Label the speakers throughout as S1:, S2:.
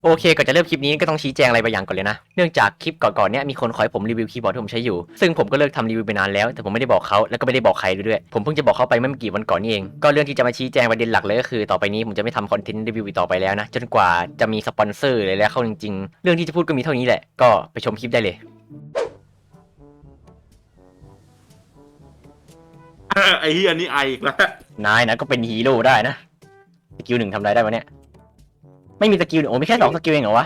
S1: โอเคก่อนจะเริ่มคลิปนี้ก็ต้องชี้แจงอะไรบางอย่างก่อนเลยนะเนื่องจากคลิปก่อนๆเนี้ยมีคนขอให้ผมรีวิวคีย์บอร์ดที่ผมใช้อยู่ซึ่งผมก็เลิกทำรีวิวไปนานแล้วแต่ผมไม่ได้บอกเขาแล้วก็ไม่ได้บอกใครด้วยผมเพิ่งจะบอกเขาไปเมื่อไม่กี่วันก่อนนี่เองก็เรื่องที่จะมาชี้แจงประเด็นหลักเลยก็คือต่อไปนี้ผมจะไม่ทำคอนเทนต์รีวิวอีกต่อไปแล้วนะจนกว่าจะมีสปอนเซอร์เลยแล้วเข้าจริงๆเรื่องที่จะพูดก็มีเท่านี้แหละก็ไปชมคลิปได้เลย
S2: ไอ้เฮียนี่ไออีกแล้ว
S1: นายนะก็เป็นฮีโร่ได้นะสกิลหนึ่งทำอะไรได้วะเนี่ยไม่มีสกิลโอ้มีแค่2 สกิลเองเหรอวะ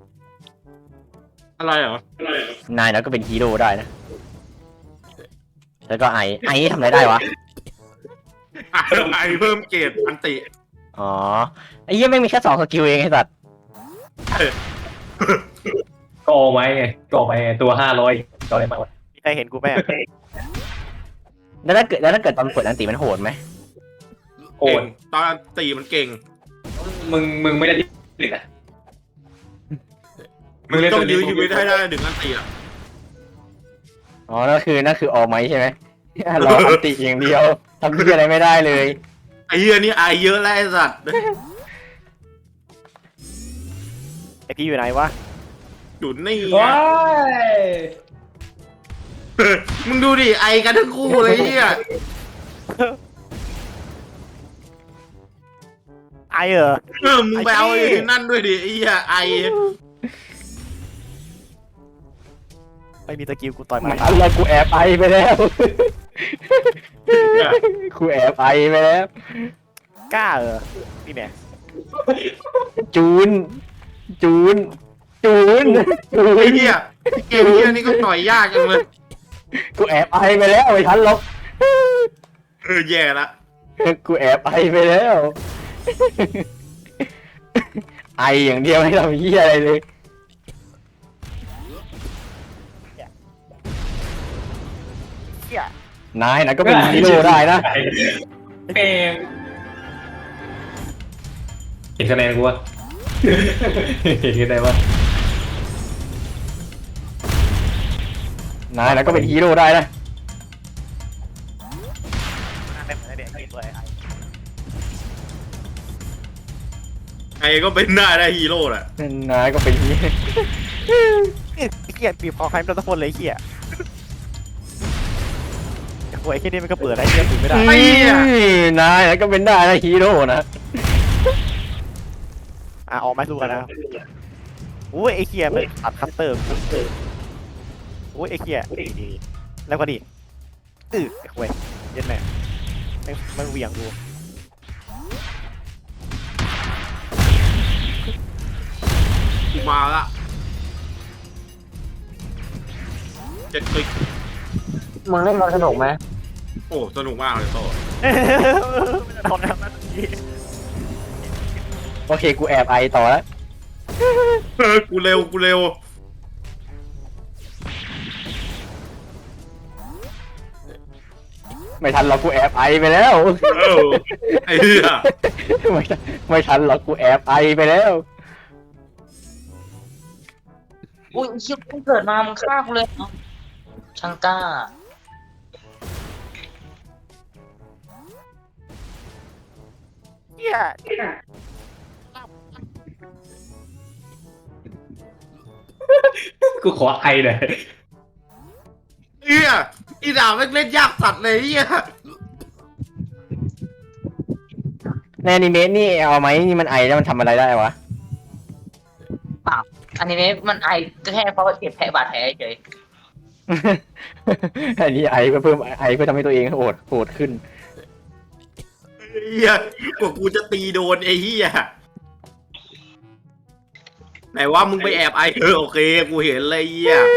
S2: อะไรเหรอน
S1: ายนะก็เป็นฮีโร่ได้นะแล้วก็ไอทำอะไรได้วะ
S2: ไอเพิ่มเกรดอันติ
S1: อ๋อไอ้เหี้ยไม่งมีแค่2 สกิลเองไอ้สัตว์
S3: ก็เอาไว้ไงก็เอาไปตัว500ก็อะไรมาวะ
S4: มีใครเห็นกูไหมอะ
S1: แล้วถ้าเกิดตอนกดอันติมันโหดไหม
S3: โอ
S2: เก่
S3: น
S2: งตอนอันติมันเก่ง
S3: มึงไม่ได้ที่หนึ่งอ่ะมึงเล่น
S2: ต้อง
S3: ตัว
S2: ยื้
S3: นี้
S2: อชีวิตให้ได้ถึงอันติอ่ะ
S1: อ๋อนั่นคือออไหมใช่ไหม รออันติอย่างเดียวทำที่อะไรไม่ได้เลย
S2: ไอ้เฮียนี่ไอเยอะแล้วไอ้สัตว์
S4: ไอพี่อยู่ไหนวะ
S2: อยู่นี่
S3: ว้าย
S2: มึงดูดิไอกันทั้งคู่เลยเฮีย
S4: ไอเหรอ
S2: มึงไปเอาไอ้นั่นด้วยดิไอ้เฮียไอ
S4: ไม่มีสกิลกูต่อย
S1: มั
S4: มัน น
S1: อะไรกูแอบไอไปแล้ว กูแอบไอไปแล้ว
S4: กล้าเหรอนี่แน่
S1: จูน จูน จูน จู
S2: ไอ้
S1: น
S2: เฮียเกมเฮียนี่ก็ต่อยยากจังเลย
S1: กูแอบไอไปแล้วไม่ทันหรอก
S2: แย่ละ
S1: กูแอบไอไปแล้ว ไออย่างเดียวไม่ทำเหี้ยอะไรเลย
S4: เหี้ย
S1: นายนะก็เป็นฮีโร่ได้นะ
S3: เก่งเห็นคะแนนกูวะเห็นคะแนนวะ
S1: นายนะก็เป็นฮีโร่ได้นะ
S4: ไม่เหมือนไอเด็กไอตัวไอ
S2: ไอก็เป็นหน้าได้ฮีโร่แหละ
S1: นายก็เป็นฮีโร่
S4: เหี้ยบีบคอใครไม่โดนทุกคนเลยเหี้ยโอ้ยไอ้แค่นี้มันก็เปิดไอ้เหี้ยถือไม่ได้
S1: นายนะก็เป็นได้นะฮีโร่นะ
S4: ออกไม้สู้กันนะโอ้ยไอ้เหี้ยมันตัดคัตเตอร์โอ้ยไอ้เหี้ยแล้วก็ดิไอ้โว้ยเย็นแม่มันเหวี่ยงดู
S2: กูมาละเจ็ดคลิก
S1: มึงเล่นมันสนุกไหม
S2: โอ้สนุกมากเลยโต
S4: ทำแล้วมันดี
S1: โอเคกูแอบไอต่อแล้ว
S2: กูเร็วกูเร็ว
S1: ไม่ทันหรอกกูแอบไอไปแล้ว
S2: เออไอ้เหี้ย
S1: ไม่ทันหรอกกูแอบไอไปแล้ว
S5: อุ้ยชิบเพิ่งเกิดมามึงฆ่ากูเลยเอ้าช่างกล้า
S4: เหี้ย
S3: กูขอไอหน่อย
S2: เหี้ยอีดาบแม่งเล่นยากสัตว์เลยเหี้ย
S1: ในอนิเมะนี่เอาไหมนี่มันไอแล้วมันทำอะไรได้วะ
S5: อันนี้มันไอก็แค่เพราะว่าเจ็บแผลบาดแผลเฉย
S1: อันนี้ไอเพื่อเพิ่มไอเพื่อทำให้ตัวเองโหดขึ้น
S2: เหี้ยกว่ากูจะตีโดนไอ้เหี้ยไหนว่ามึงไปแอบไอโอเคกูเห็นเลยเหี้ย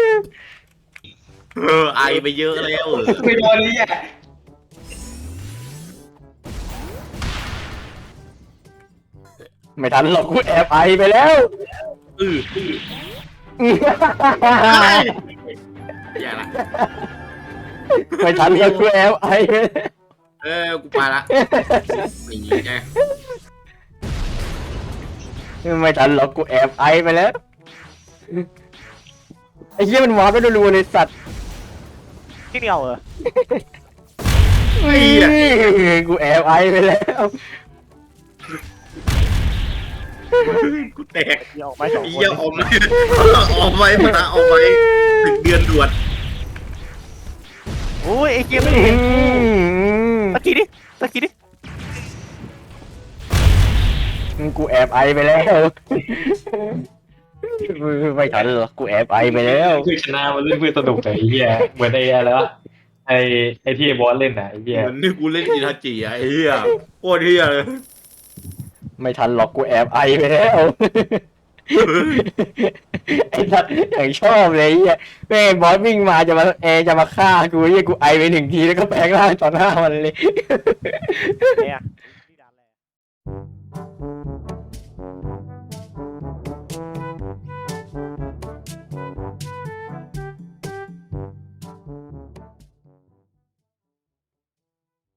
S2: ไอไปเยอะแล้ว
S3: ไม่โดนเลยอ่ะ
S1: ไม่ทันหรอกกูแอบไอไปแล้ว
S2: อืออย่าละ
S1: ไม่ทันหรอกกูแอบไอไปแล้ว
S2: กูไปละนี่ไง
S1: ไม่ทันหรอกกูแอบไอไปแล้วไอ้เหี้ยมันวาร์ปไปรัวๆเลยสัตว์
S4: ที่เดียวเหรอ
S2: ไอ้เหี้ย
S1: กูแอบไอไปแล้ว
S2: กูแตก
S4: เหี้ยออกไม้สอง
S2: ไอ้
S4: คน
S2: เหี้ยออกมาออกไปมาออกไปถึงเดือนด่วน
S4: โอ้ยไอ้เหี้ยไม่เห็นตะกี้ดิตะกี้ดิ
S1: กูแอบไอไปแล้วไม่ทันหรอกกูแอบไอไปแล้ว
S3: คือชนะมันเล่นเพื่อสนุกไอ้เหี้ยเหมือนไอ้อะไรวะไอ้ที่ไอ้บอสเล่นน่ะไอ้เหี้ย
S2: เหมือนนี่กูเล่นอิทาจิอะไอ้เหี้ยโคตรเหี้ยเลย
S1: ไม่ทันหรอกกูแอบไอไปแล้ว ไอ้สัตว์อย่างชอบเลยไอ้เหี้ยแม่งบอสวิ่งมาจะมาฆ่ากูเหี้ยกูไอไปหนึ่งทีแล้วก็แปลงร่างต่อหน้ามันเลย
S4: ไอ้อะ